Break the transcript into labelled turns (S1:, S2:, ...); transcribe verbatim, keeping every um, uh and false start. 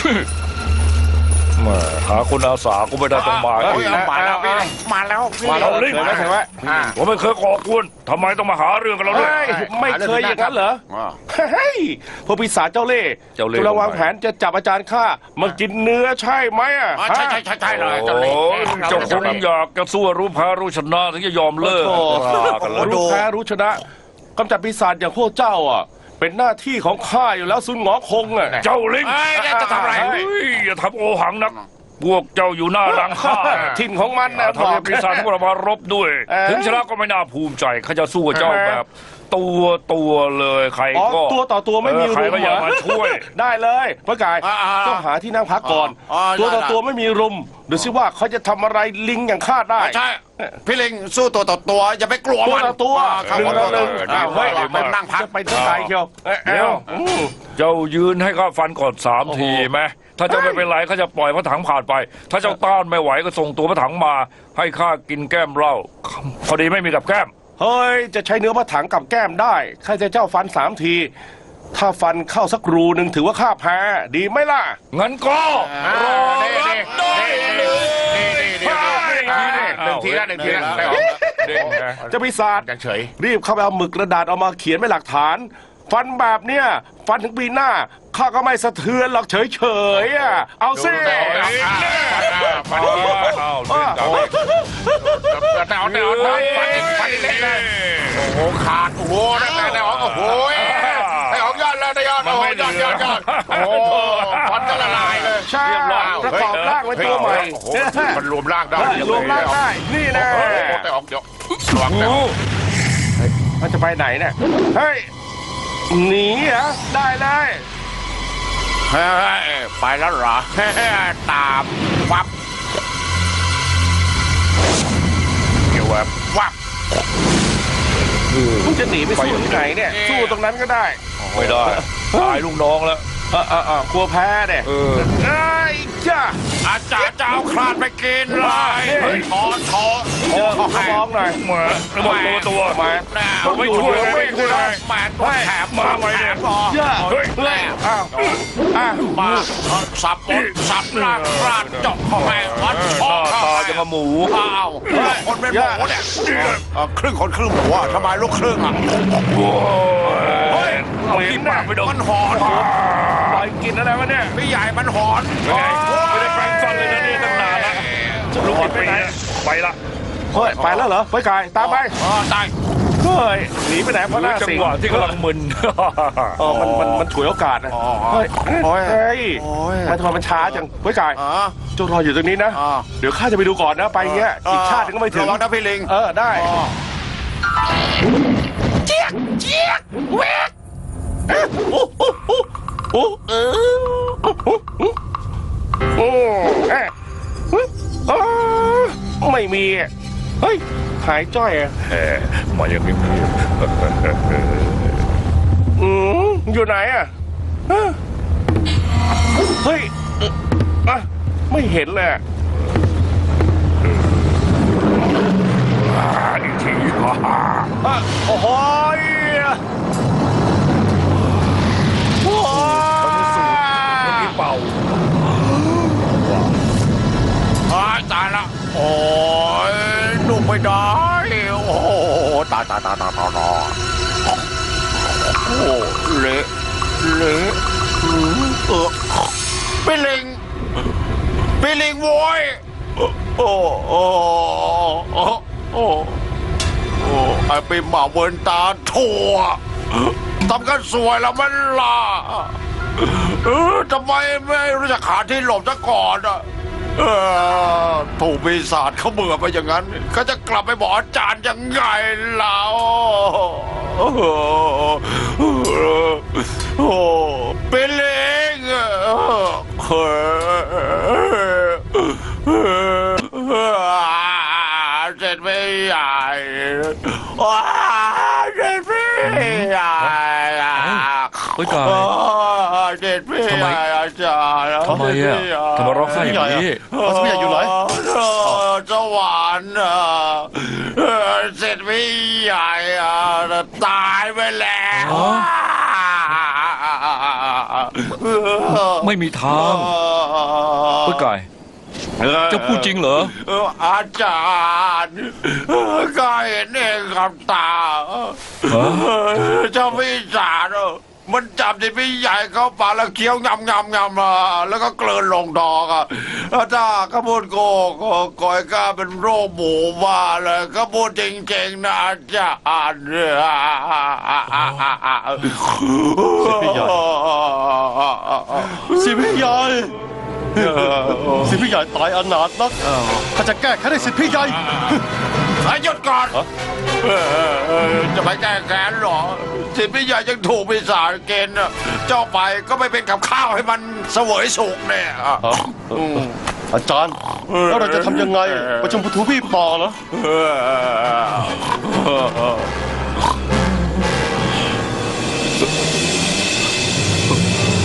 S1: มาหาคนอาสาก็ไม่ได้ต้องมา
S2: มาแล้วมาแล้ว
S1: มาแล้วลิง
S2: เคยไหมเคยไหม
S1: ผมไม่เคยก่อกวนทำไมต้องมาหาเรื่องกันเราด้วย
S2: ไม่เคยอย่างนั้นเหรอเฮ้ยพวกปีศาจเจ้าเล่ห์
S1: เจ้าเล่ห์
S2: จุลวางแผนจะจับอาจารย์ข้ามากินเนื้อใช่ไหมอ่ะ
S3: ใช่ใช่ใช่ใช่เลยเจ้า
S1: โอ้
S3: เล่ห์
S1: เจ้าคงอยากจะสู้รู้แพ้รู้ชนะถึงจะยอมเลิก
S2: โอ้
S1: รากันแล้ว
S2: รู้แพ้รู้ชนะกำจัดปีศาจอย่างพวกเจ้าอ่ะเป็นหน้าที่ของข้าอยู่แล้วซุนหงอคงอ่ะ
S1: เจ้าลิง
S3: เอ้ยจะทำอะไร
S1: เฮ้ยอย่าทำโอหังนักพวกเจ้าอยู่หน้าหลังข้า
S2: ถิ่นของมันนะ
S1: ทำให้ปีศาจพวกเรามารบด้วย
S2: เออ
S1: ถึงชนะก็ไม่น่าภูมิใจข้าจะสู้กับเจ้าแบบ ตัวตัวเลยใคร
S2: อ๋อ
S1: ก็
S2: ตัวต่อตัวไม่มี
S1: เออใคร
S2: รุม
S1: ก็อย่า
S2: เหรอ
S1: มาช่วย
S2: ได้เลยพระกาย
S3: อ่าๆ
S2: ต้องหาที่นั่งพักก่อน
S3: อ๋อ
S2: ตัวต่อ
S3: ได้ๆ
S2: ตัวไม่มีรุมดูสิว่าเขาจะทำอะไรลิงอย่างข้าได้
S3: ใช่พี่ลิงสู้ตัวต่อตัวอย่าไปกลัว
S2: ตัว
S3: มัน
S2: ต่อตัว
S3: ข้า
S2: หนึ่
S3: ข
S2: ง
S3: อโท
S2: ต่อ
S3: ษ
S2: หนึ่ง
S3: อ้าว
S2: เฮ้ย
S3: ไปนั่งพัก
S2: จะไปเท่าไหร่เชียวเอ้ย
S1: เดี๋ยว
S2: อืม
S1: เจ้ายืนให้ข้าฟันก่อนสาม
S2: โอ้โห
S1: ทีไหมถ้าเจ้าไม่เป็นไรข้าจะปล่อยพระถังผ่านไป ถ้าเจ้าต้านไม่ไหวก็ส่งตัวพระถังมา ให้ข้ากินแก้มเหล้าพอดีไม่มีกับแก้ม
S2: เฮ้ยจะใช้เนื้อพระถังกับแก้มได้ข้าจะเจ้าฟันสามที ถ้าฟันเข้าสักรูหนึ่งถือว่าข้าแพ้ดีไหมล่ะ
S1: งั้นก็รอรับได้เลย
S3: หนึ่งทีละหนึ่งทีละ
S1: เด้งนะ
S2: จะปีศาจ
S3: ยังเฉย
S2: รีบเข้าไปเอาหมึกกระดาษเอามาเขียนไว้หลักฐาน ฟันแบบเนี้ยฟันถึงปีหน้าข้าก็ไม่สะเทือนหรอกเฉยๆอ่ะเอาสิ
S3: เอาเอาเอาแต่เอาแต่เอาฟันฟันฟันเล็กนะโอ้โหขาดโอ้โหนั่นแต่แต่โอ้โหไอ้ของยอดแล้วได้ยอดโอ้โหยอดยอดยอดโอ้โหฟันจะละลายเลย
S2: ใช่ประกอบร่างไว้ตัวใหม่
S3: โอ้โหมันรวมร่างได้
S2: รวมร่างได้นี่นะ
S3: โอ้โหแต่ออกเดี๋ยวระวังแต่
S2: มันจะไปไหนเนี่ยเฮ้ยหนีเหรอได้เลย
S3: เฮ้ยไปแล้วเหรอตามวับเกี่ยววับวับ
S2: มึงจะหนีไปสู้ที่ไหนเนี่ยสู้ตรงนั้นก็ได้
S1: ไม่ได้ตายลูกน้องแล้ว
S2: เออเออเออกลัวแพ้เนี่ย
S1: เออ
S2: ไอ้ยจ้า
S3: อาจารย์จะเอาคลาดไปกินเลยถอนถอน
S2: เออขอร้องหน่อย
S1: มาระวังตัวตัว
S2: มา
S1: ผมไม่ช่วยไม่ช่วย
S3: แหมตัวแถบมาไว้เนี่ย
S2: เยอะ
S1: เฮ้ย
S2: เฮ้ยอ้าวอ้าว
S3: มาสับหมดสับล่างคลาดเจาะเข้าไปวัด
S1: ห
S3: ช่อ
S1: น้า
S3: เข้า
S1: ตา
S3: ไป
S1: จะกับหมู
S3: อ้าวคนเป็นหมูเนี่ยครึ่งคนครึ่งหมูอ่ะทำไมลูกครึ่งอ่ะ
S1: โอ้
S3: เฮ้ย
S1: เอากินปากไปดม
S3: มันหอน
S2: ปล่อยกินอะไรวะเนี่ย
S3: พี่ใหญ่มันหอน
S1: ไม่ได้ไม่ได้แปรงฟันเลยนะนี่ตั้งนานละลูกไปไหนไปละ
S2: เฮ้ยไปแล้วเหรอไปกายตามไป
S3: อ๋อตาย
S2: เฮ้ยหนีไปไหนเพราะหน้า
S1: จัง
S2: สิง
S1: หวะที่กำลังมึน
S2: เออมันมันมันฉวยโอกาสนะเฮ้ยเฮ้ยมันทำไมมันช้าจังเฮ้ยกาย
S3: อ๋อ
S2: เจ้ารออยู่ตรงนี้นะ
S3: อ๋อ
S2: เดี๋ยวข้าจะไปดูก่อนนะไปเงี้ยอีกชาติหนึงก็ไม่ถึง
S3: ระวังนะพี่ลิง
S2: เออได้
S3: เจี๊ยกเจี๊ยกเวก
S2: โอ้โอ้โอ้โอ้เออโอ้โอ้โอ้เอ๊ะอ๋อไม่มีอ่ะเฮ้ยหายจ้อยอ่ะ
S1: แหมมาอย่างนี้
S2: อืมอยู่ไหนอ่ะฮะเฮ้ยเอ่ออ่ะไม่เห็นเลยอะ
S1: อีกที
S2: อ่ะโอ้โหยโอ้ย
S1: ที่เป่า
S3: ตายตายละโอ้ยดูไม่ได้โอ้โหตายตายตายตายตายตายโอ้เละเละเออพี่ลิงพี่ลิงโว้ยโอ้โอ้โอ้โอ้โอ้ไอ้ปีหมาเวินตาถั่วทำกันสวยแล้วมันล่ะเออทำไมไม่รู้จักหาที่หลบซะก่อนอ่ะเออถูกปีศาจเขาเบื่อไปอย่างนั้นเขาจะกลับไปบอกอาจารย์ยังไงเราโอ้โหโอ้เป็นเลงเฮ้เสร็จไม่ใหญ่ว้าเสร็จไม่ใหญ่
S1: เฮ้ยกาย
S3: เด็ดพี่ใหญ่อาจารย์
S1: ทำไมอ่ะทำไมร้องไห้อย่างนี้
S3: เขาสมัยอยู่ไหนสวรรค์อ่ะเสร็จพี่ใหญ่อ่ะตายไปแล้ว
S1: ไม่มีทางเฮ้ยไก่เจะพูดจริงเหรอ
S3: เอออาจารย์ก็เห็นเองกับตาเจ้าพี่จารย์มันจับที่พี่ใหญ่เข้าปากแล้วเคี้ยวงำงำงำมาแล้วก็เกลืนลงดอกอ่ะถ้าข้าพูดโกก็ก่อยก้าเป็นโรคหมูบ้าเลยข้าพูดจริงๆนะอาจารย์
S2: สิพี่ใหญ่สิพี่ใหญ่ตายอนาถนักข้าจะแก้แค้นให้สิพี่ใหญ่
S3: หยุดก่อนจะไปแก้แค้นหรอสิพี่ใหญ่ยังถูกปีศาจเกณฑ์เจ้าไปก็ไม่เป็นกับข้าวให้มันเสวยสุกเนี่ย
S2: อาจารย์แล้วเราจะทำยังไงประชุมพุทธวีปอเหรอ